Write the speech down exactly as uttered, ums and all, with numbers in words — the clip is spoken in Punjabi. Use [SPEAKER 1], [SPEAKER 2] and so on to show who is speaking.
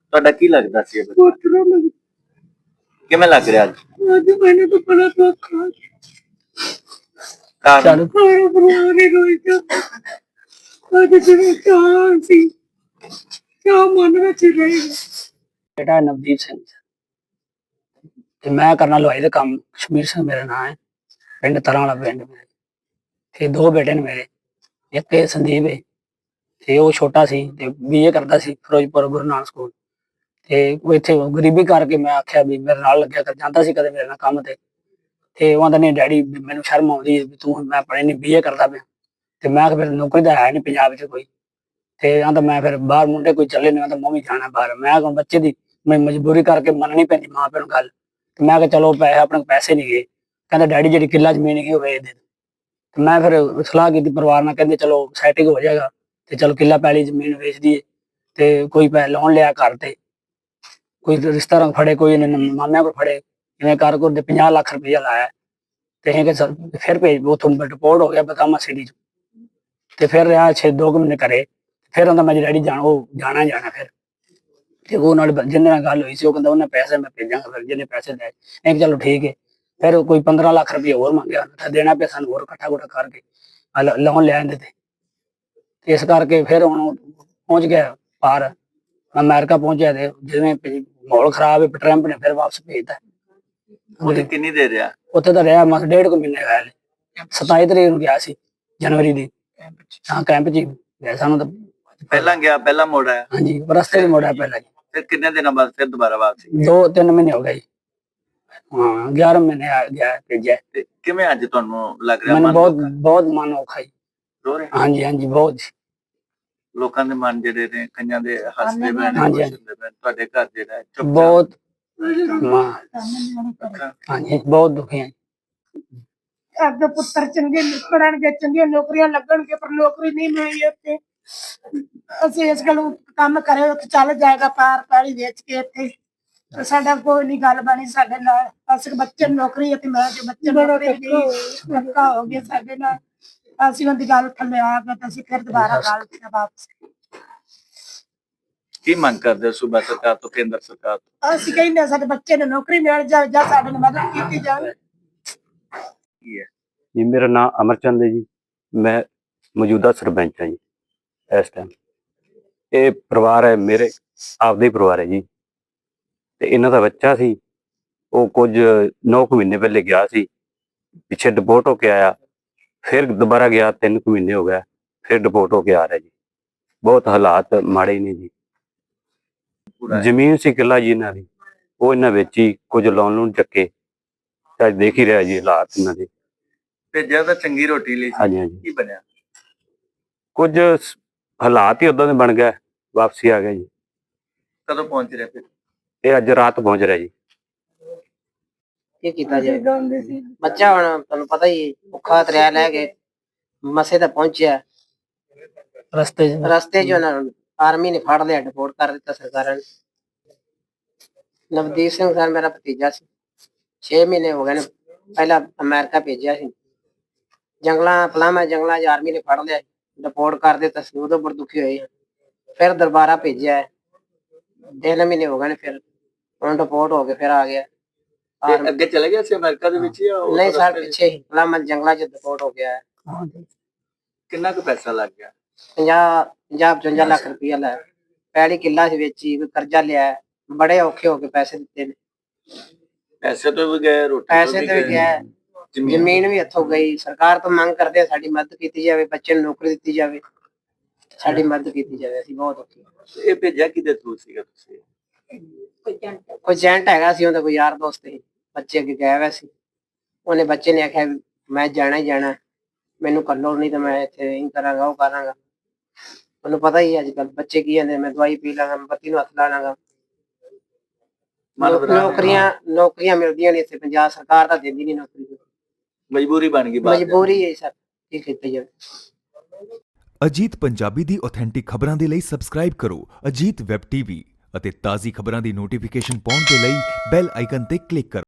[SPEAKER 1] ਤੁਹਾਡਾ ਕੀ ਲੱਗਦਾ ਸੀ ਇਹ ਬੱਚਾ?
[SPEAKER 2] ਪੋਤਰਾ ਲੱਗ
[SPEAKER 1] ਕਿਵੇਂ ਲੱਗ ਰਿਹਾ ਅੱਜ?
[SPEAKER 2] ਅੱਜ ਮੈਨੂੰ ਤਾਂ ਬੜਾ ਦੁੱਖ ਆ
[SPEAKER 1] ਕਾਰਨ
[SPEAKER 2] ਸਾਰਾ ਪਰਿਵਾਰ ਹੀ ਰੋਈ ਜਾਂਦਾ ਅੱਜ ਜਿਵੇਂ ਚਾਹ ਸੀ ਚਾਹ ਮਨ ਵਿੱਚ ਹੀ ਰਹੇਗਾ।
[SPEAKER 3] बेटा नवदीप सिंह ते मैं करना लुहाई का काम। कश्मीर सिंह मेरा नाम है, पिंड तरा वाला पिंड मेरे। ते दो बेटे ने मेरे, एक ते संदीप है ते वो छोटा सी ते बीए करदा सी फिरोजपुर गुरु नानक स्कूल। ते वो इत्थे गरीबी करके मैं आख्या भी मेरे नाल लग्या कर जांदा सी कदे मेरे नाल काम ते ते वो आंदा नहीं डैडी मैनूं शर्म आउंदी है भी तू मैं पढ़े नहीं बीए करदा पिया ते मैं फिर नौकरी तां है नहीं पंजाब च कोई ते आंदा मैं फिर बाहर मुंडे कोई चले नहीं आंदा मैं भी जाना बाहर। मैं हुण बच्चे दी मैं मजबूरी करके मननी पैंदी मां प्यो नूं गल ते मैं कहा चलो पैसे अपने पैसे नहीं गए कहंदा डैडी जी किला जमीन की होवे दे ते मैं फिर सलाह की परिवार नाल कहंदे चलो सैटिंग हो जाएगा ते चलो किला पैली जमीन बेच दिए ते कोई पै लोन लिया घर ते कोई रिश्तेदार फड़े कोई मामिया को फड़े इवें कर कर दे पचास लाख रुपया लाया ते असीं सर फिर भेज उथों डिपोर्ट हो गया बदामा सिटी च ते फिर रहा छे दो महीने घरे फिर आंदा मैं डैडी जाना जाना जाना फिर ते वो नाल जिन्ने नाल गल हुई सी वो कहंदा उन्हें पैसे मैं भेजांगा फिर जिन्ने पैसे दे मैं चलो ठीक है। फिर कोई पंद्रह लाख रुपया होर मंगया देना पे सानूं होर इकट्ठा कुट्ठा करके लोन ले आंदे ते इस करके फिर हुण पहुंच गया पार अमेरिका पहुंचा ते जिवें माहौल खराब है ट्रंप ने फिर वापस भेजता।
[SPEAKER 1] ਉਹਦੇ ਕਿੰਨੀ ਦੇ ਰਿਹਾ?
[SPEAKER 3] उत्थे तो रहा मस डेढ़ को महीने गया सताई तरीक नूं गया सी जनवरी दी हाँ कैंप च गया सानूं तो
[SPEAKER 1] ਪਹਿਲਾਂ ਗਿਆ ਪਹਿਲਾਂ ਮੁੜ ਆਇਆ?
[SPEAKER 3] हाँ जी रस्ते च मुड़ा पहला जी
[SPEAKER 1] ਫਿਰ ਕਿੰਨੇ ਦਿਨਾਂ ਬਾਅਦ ਫਿਰ ਦੁਬਾਰਾ ਵਾਪਸੀ?
[SPEAKER 3] दो तीन महीने हो गए जी हाँ ग्यारह महीने आ गया भेजा
[SPEAKER 1] ਤੇ ਕਿਵੇਂ ਅੱਜ ਤੁਹਾਨੂੰ ਲੱਗ ਰਿਹਾ?
[SPEAKER 3] मैंने
[SPEAKER 1] ਮਨ
[SPEAKER 3] बहुत
[SPEAKER 1] ਲੋਕਾਂ-
[SPEAKER 3] बहुत मन औखा जी
[SPEAKER 1] ਰੋ ਰਹੇ
[SPEAKER 3] हाँ जी हाँ जी बहुत जी
[SPEAKER 1] ਲੋਕਾਂ ਦੇ ਮਨ ਜਿਹੜੇ ਨੇ ਕਈਆਂ ਦੇ ਹੱਸਦੇ ਪਏ ਨੇ
[SPEAKER 3] ਹਾਂਜੀ,
[SPEAKER 1] ਖੁਸ਼ ਹੁੰਦੇ ਪਏ ਨੇ, ਤੁਹਾਡੇ ਘਰ ਜਿਹੜਾ ਹੈ ਚੁੱਪ
[SPEAKER 3] बहुत मां हाँ जी बहुत दुखी हैं
[SPEAKER 2] ਅੱਗੇ ਪੁੱਤਰ ਚੰਗੇ ਪੜਨਗੇ ਚੰਗੀਆਂ ਨੌਕਰੀਆਂ ਲੱਗਣਗੇ ਪਰ ਨੌਕਰੀ ਨਹੀਂ ਮਿਲੀ ਇੱਥੇ ਅਸੀਂ ਇਸ ਗੱਲ ਕੰਮ ਕਰੇ ਉੱਥੇ ਚੱਲ ਜਾਏਗਾ ਪਾਰ ਪੈਲੀ ਵੇਚ ਕੇ ਇੱਥੇ ਤੇ ਸਾਡਾ ਕੋਈ ਨਹੀਂ ਗੱਲ ਬਣੀ ਸਾਡੇ ਨਾਲ ਅਸੀਂ ਬੱਚੇ ਨੂੰ ਨੌਕਰੀ ਅਤੇ ਮੈਂ ਜੋ ਬੱਚੇ ਨੂੰ ਨੌਕਰੀ ਨਹੀਂ ਧੱਕਾ ਹੋ ਗਿਆ ਸਾਡੇ ਨਾਲ ਅਸੀਂ ਉਹਦੀ ਗੱਲ ਥੱਲੇ ਆ ਗਏ ਤਾਂ ਅਸੀਂ ਫਿਰ ਦੁਬਾਰਾ ਗੱਲ ਤੇ ਵਾਪਸ
[SPEAKER 1] ਕੀ ਮੰਗ ਕਰਦੇ ਹੋ ਸੂਬਾ ਸਰਕਾਰ ਤੋਂ ਕੇਂਦਰ ਸਰਕਾਰ ਤੋਂ?
[SPEAKER 2] ਅਸੀਂ ਕਹਿੰਦੇ ਸਾਡੇ ਬੱਚੇ ਨੂੰ ਨੌਕਰੀ ਮਿਲ ਜਾਵੇ ਜਾਂ ਸਾਡੇ ਨਾਲ ਮਦਦ ਕੀਤੀ ਜਾਵੇ।
[SPEAKER 1] ਕੀ ਹੈ?
[SPEAKER 4] ਜੀ ਮੇਰਾ ਨਾਮ ਅਮਰਚੰਦ ਹੈ ਜੀ। ਮੈਂ ਮੌਜੂਦਾ ਸਰਪੰਚ ਹਾਂ ਜੀ ਇਸ ਟਾਈਮ। ਇਹ ਪਰਿਵਾਰ ਹੈ ਮੇਰੇ ਆਪਦਾ ਹੀ ਪਰਿਵਾਰ ਹੈ ਜੀ ਤੇ ਇਹਨਾਂ ਦਾ ਬੱਚਾ ਸੀ ਉਹ ਕੁਝ ਨੌ ਕੁ ਮਹੀਨੇ ਪਹਿਲੇ ਗਿਆ ਸੀ ਪਿੱਛੇ ਡਿਪੋਰਟ ਹੋ ਕੇ ਆਇਆ ਫਿਰ ਦੁਬਾਰਾ ਗਿਆ ਤਿੰਨ ਕੁ ਮਹੀਨੇ ਹੋ ਗਿਆ ਫਿਰ ਡਿਪੋਰਟ ਹੋ ਕੇ ਆ ਰਿਹਾ ਜੀ। ਬਹੁਤ ਹਾਲਾਤ ਮਾੜੇ ਹੀ ਨੇ ਜੀ। ਜ਼ਮੀਨ ਸੀ ਕਿੱਲਾ ਜੀ ਇਹਨਾਂ ਦੀ ਉਹ ਇਹਨਾਂ ਵੇਚੀ ਕੁਝ ਲੋਨ ਲੂਨ ਚੱਕੇ ਅੱਜ ਦੇਖ ਹੀ ਰਿਹਾ ਜੀ ਹਾਲਾਤ ਇਹਨਾਂ ਦੇ।
[SPEAKER 1] ਭੇਜਿਆ ਤਾਂ ਚੰਗੀ ਰੋਟੀ ਲਈ ਸੀ,
[SPEAKER 4] ਹਾਂਜੀ ਹਾਂਜੀ
[SPEAKER 1] ਕੀ ਬਣਿਆ?
[SPEAKER 4] ਕੁਝ ਸ- ਹਾਲਾਤ ਹੀ ਉਦਾਂ ਦੇ ਬਣ ਗਏ ਵਾਪਸੀ ਆ ਗਿਆ ਜੀ।
[SPEAKER 1] ਕਦੋਂ ਪਹੁੰਚ ਰਿਹਾ ਫਿਰ?
[SPEAKER 4] ਇਹ ਅੱਜ ਰਾਤ ਪਹੁੰਚ ਰਿਹਾ ਜੀ।
[SPEAKER 5] ਕੀ ਕੀਤਾ ਜਾਏ ਬੱਚਾ ਹੁਣ ਤੁਹਾਨੂੰ ਪਤਾ ਹੀ ਭੁੱਖਾ ਤਰਿਆ ਲੈ ਕੇ ਮਸੇ ਤਾਂ ਪਹੁੰਚਿਆ
[SPEAKER 3] रस्ते च
[SPEAKER 5] ਰਸਤੇ 'ਚ ਉਹਨਾਂ ਨੂੰ ਆਰਮੀ ਨੇ ਫੜ ਲਿਆ ਡਿਪੋਰਟ ਕਰ ਦਿੱਤਾ ਸਰਕਾਰਾਂ ਨੇ। ਨਵਦੀਪ ਸਿੰਘ ਸਰ ਮੇਰਾ ਭਤੀਜਾ ਸੀ ਛੇ ਮਹੀਨੇ ਹੋ ਗਏ ਨੇ ਪਹਿਲਾਂ ਅਮਰੀਕਾ ਭੇਜਿਆ ਸੀ ਜੰਗਲਾਂ ਪਲਾਮਾ ਜੰਗਲਾਂ 'ਚ ਆਰਮੀ ਨੇ ਫੜ ਲਿਆ ਡਿਪੋਰਟ ਕਰ ਦਿੱਤਾ ਸੀ ਉਦੋਂ ਬੜੇ ਦੁਖੀ ਹੋਏ ਫਿਰ ਦੁਬਾਰਾ ਭੇਜਿਆ ਤਿੰਨ ਮਹੀਨੇ ਹੋ ਗਏ ਨੇ ਫਿਰ ਹੁਣ ਡਿਪੋਰਟ ਹੋ ਕੇ ਫਿਰ ਆ ਗਿਆ।
[SPEAKER 1] ਤੇ ਅੱਗੇ ਚਲੇ ਗਿਆ ਸੀ ਅਮਰੀਕਾ ਦੇ ਵਿੱਚ ਜਾਂ ਉਹ
[SPEAKER 5] ਨਹੀਂ ਸਰ
[SPEAKER 1] ਰਸਤੇ 'ਚ?
[SPEAKER 5] ਪਿੱਛੇ ਹੀ ਪਲਾਮਾ ਜੰਗਲਾਂ 'ਚ ਡਿਪੋਰਟ ਹੋ ਗਿਆ।
[SPEAKER 3] हाँ जी
[SPEAKER 1] ਕਿੰਨਾ ਕੁ ਪੈਸਾ ਲੱਗ ਗਿਆ?
[SPEAKER 5] ਪੰਜਾਹ ਪੰਜਾਹ ਪਚਵੰਜਾ ਲੱਖ ਰੁਪਇਆ ਲੈ ਪੈੜੀ ਕਿੱਲਾ ਸੀ ਵੇਚੀ ਕੋਈ ਕਰਜ਼ਾ ਲਿਆ ਬੜੇ ਔਖੇ ਹੋ ਕੇ ਪੈਸੇ ਦਿੱਤੇ ਨੇ
[SPEAKER 1] ਪੈਸੇ ਤੋਂ ਵੀ ਗਏ, ਰੋਟੀ ਤੋਂ
[SPEAKER 5] ਪੈਸੇ ਤੇ ਵੀ
[SPEAKER 1] ਗਏ,
[SPEAKER 5] ਗਿਆ
[SPEAKER 1] ਜ਼ਮੀਨ-
[SPEAKER 5] ਜ਼ਮੀਨ ਵੀ ਹੱਥੋਂ ਗਈ। ਸਰਕਾਰ ਤੋਂ ਮੰਗ ਕਰਦੇ ਆ ਸਾਡੀ ਮਦਦ ਕੀਤੀ ਜਾਵੇ ਬੱਚੇ ਨੂੰ ਨੌਕਰੀ ਦਿੱਤੀ ਜਾਵੇ ਸਾਡੀ ਮਦਦ ਕੀਤੀ ਜਾਵੇ ਅਸੀਂ ਬਹੁਤ ਔਖੇ ਹਾਂ।
[SPEAKER 1] ਇਹ ਭੇਜਿਆ ਕਿਹਦੇ ਥਰੂ ਸੀਗਾ ਤੁਸੀਂ?
[SPEAKER 5] ਕੋਈ ਏਜੰਟ ਹੈਗਾ ਸੀ ਉਹਦਾ ਕੋਈ ਯਾਰ ਦੋਸਤ ਸੀ ਬੱਚੇ ਅੱਗੇ ਗਿਆ ਹੋਇਆ ਸੀ ਉਹਨੇ ਬੱਚੇ ਨੇ ਆਖਿਆ ਵੀ ਮੈਂ ਜਾਣਾ ਹੀ ਜਾਣਾ ਮੈਨੂੰ ਕੱਲੋ ਨਹੀਂ ਤਾਂ ਮੈਂ ਇੱਥੇ ਇਹ ਕਰਾਂਗਾ ਉਹ ਕਰਾਂਗਾ। ਤੁਹਾਨੂੰ ਪਤਾ ਹੀ ਅੱਜ ਕੱਲ ਬੱਚੇ ਕੀ ਕਹਿੰਦੇ ਮੈਂ ਦਵਾਈ ਪੀ ਲਾਂਗਾ ਮੈਂ ਬੱਤੀ ਨੂੰ ਹੱਥ ਲਾ ਲਾਂਗਾ।
[SPEAKER 1] ਮਨ ਬਣਾ ਲਿਆ।
[SPEAKER 5] ਨੌਕਰੀਆਂ ਨੌਕਰੀਆਂ ਮਿਲਦੀਆਂ ਨਹੀਂ ਇੱਥੇ ਪੰਜਾਬ ਸਰਕਾਰ ਤਾਂ ਦਿੰਦੀ ਨਹੀਂ ਨੌਕਰੀ
[SPEAKER 1] ਮਜਬੂਰੀ ਬਣ ਗਈ ਬਾਅਦ 'ਚ।
[SPEAKER 5] ਮਜਬੂਰੀ ਹੈ ਸਰ ਕੀ ਕੀਤਾ ਜਾਵੇ।
[SPEAKER 6] ਅਜੀਤ ਪੰਜਾਬੀ ਦੀ ਆਥੈਂਟਿਕ ਖਬਰਾਂ ਦੇ ਲਈ ਸਬਸਕ੍ਰਾਈਬ ਕਰੋ ਅਜੀਤ ਵੈਬ ਟੀਵੀ ਅਤੇ ਤਾਜ਼ੀ ਖਬਰਾਂ ਦੀ ਨੋਟੀਫਿਕੇਸ਼ਨ ਪਾਉਣ ਦੇ ਲਈ ਬੈਲ ਆਈਕਨ ਤੇ ਕਲਿੱਕ ਕਰੋ।